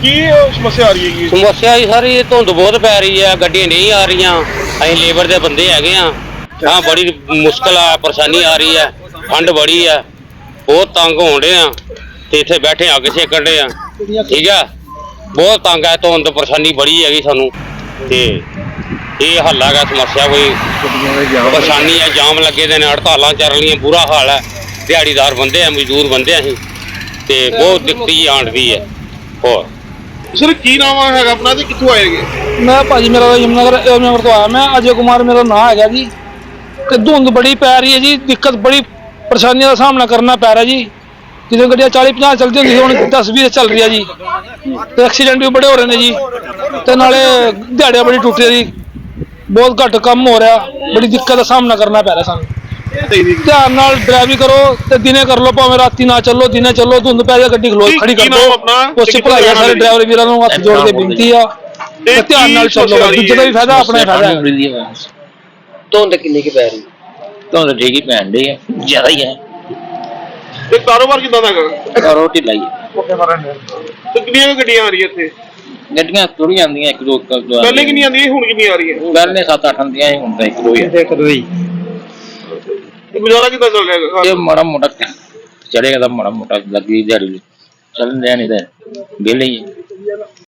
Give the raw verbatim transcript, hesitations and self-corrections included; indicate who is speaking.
Speaker 1: की समस्या आ रही है?
Speaker 2: समस्या ही सारी धुंध बहुत पै रही है, गड्डियां नहीं आ रही, अं लेबर के बंदे है हाँ बड़ी मुश्किल आ परेशानी आ रही है, ठंड बड़ी है, बहुत तंग हो रहे हैं तो इतने बैठे अग सेकन डे ठीक है, बहुत तंग है, धुंध परेशानी बड़ी हैगी सानू ते ये हल है समस्या कोई परेशानी है, जाम लगे दे हड़ताल चल रही, बुरा हाल है, दिहाड़ीदार बंदे हैं, मजदूर बंदे अं ते बहुत दिक्कत आती है। और
Speaker 1: सर की नाम है अपना ते कित्थों आए गे?
Speaker 3: मैं भाजी मेरा यमुनानगर यमुनानगर तो आया, मैं अजय कुमार मेरा नाम है जी। ते धुंध बड़ी पै रही है जी, दिक्कत बड़ी परेशानियों का सामना करना पै रहा है जी। जितने गड्डियां चालीस पचास चलती होंगी हूँ दस बीस चल रही है जी, तो एक्सीडेंट भी बड़े हो रहे हैं जी, तो नाले दिहाड़ियां बड़ी टूट रही, बहुत घट कम हो रहा, बड़ी दिक्कत का सामना करना पै रहा सानू। ध्यान नाल ड्राइविंग करो ते दिने कर लो, भावें राती ना चलो, दिने चलो, धुंध पै जाए गड्डी खलो खड़ी कर दो। कोशिश भलाई है सारे ड्राइवर वीरां नूं हत्थ जोड़ के बेनती आ, ध्यान नाल चलो, दूजे दा भी फायदा अपना ही फायदा है।
Speaker 2: धुंध किन्नी की पै रही? धुंध ठीक ही पैन डी है, ज्यादा ही है।
Speaker 1: ते कारोबार कितना दा
Speaker 2: कारोबार ढिला ही है।
Speaker 1: तो कितनी गड्डियां आ रही है इत्थे?
Speaker 2: गड्डियां थोड़ी आंदियां, एक दो
Speaker 1: पहले कितनी आंदी हुण कितनी आ रही है?
Speaker 2: पहले सत्त अठ आंदियां ही, हुण एक दो ही एक दो ही।
Speaker 1: गुजारा कितना चल रहा है?
Speaker 2: ये माड़ा मोटा चलेगा तो माड़ा मोटा लगी दिहाड़ी चल रहा, नहीं तो बिल ही है।